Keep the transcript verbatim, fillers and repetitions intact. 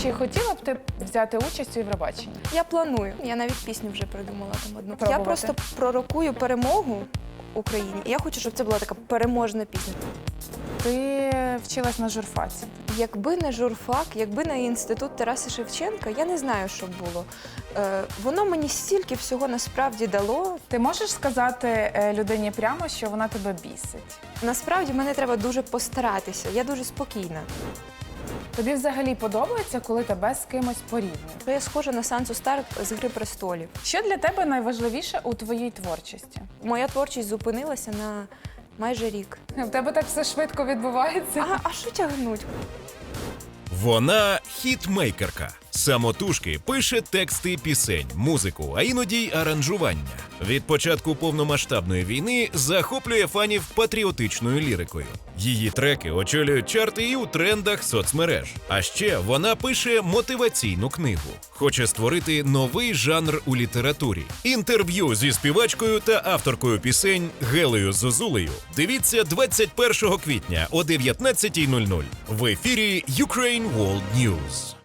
Чи хотіла б ти взяти участь у Євробаченні? Я планую. Я навіть пісню вже придумала там одну. Пробувати? Я просто пророкую перемогу Україні. І я хочу, щоб це була така переможна пісня. Ти вчилась на журфаці. Якби не журфак, якби не інститут Тараса Шевченка, я не знаю, що б було. Е, воно мені стільки всього насправді дало. Ти можеш сказати е, людині прямо, що вона тебе бісить? Насправді мені треба дуже постаратися. Я дуже спокійна. Тобі взагалі подобається, коли тебе з кимось порівнюють? Я схожа на Сансу Старк з «Гри престолів». Що для тебе найважливіше у твоїй творчості? Моя творчість зупинилася на майже рік. В тебе так все швидко відбувається. А, а що тягнуть? Вона хітмейкерка. Самотужки пише тексти пісень, музику, а іноді й аранжування. Від початку повномасштабної війни захоплює фанів патріотичною лірикою. Її треки очолюють чарти і у трендах соцмереж. А ще вона пише мотиваційну книгу. Хоче створити новий жанр у літературі. Інтерв'ю зі співачкою та авторкою пісень Гелею Зозулею дивіться двадцять першого квітня о дев'ятнадцятій нуль нуль в ефірі Ukraine World News.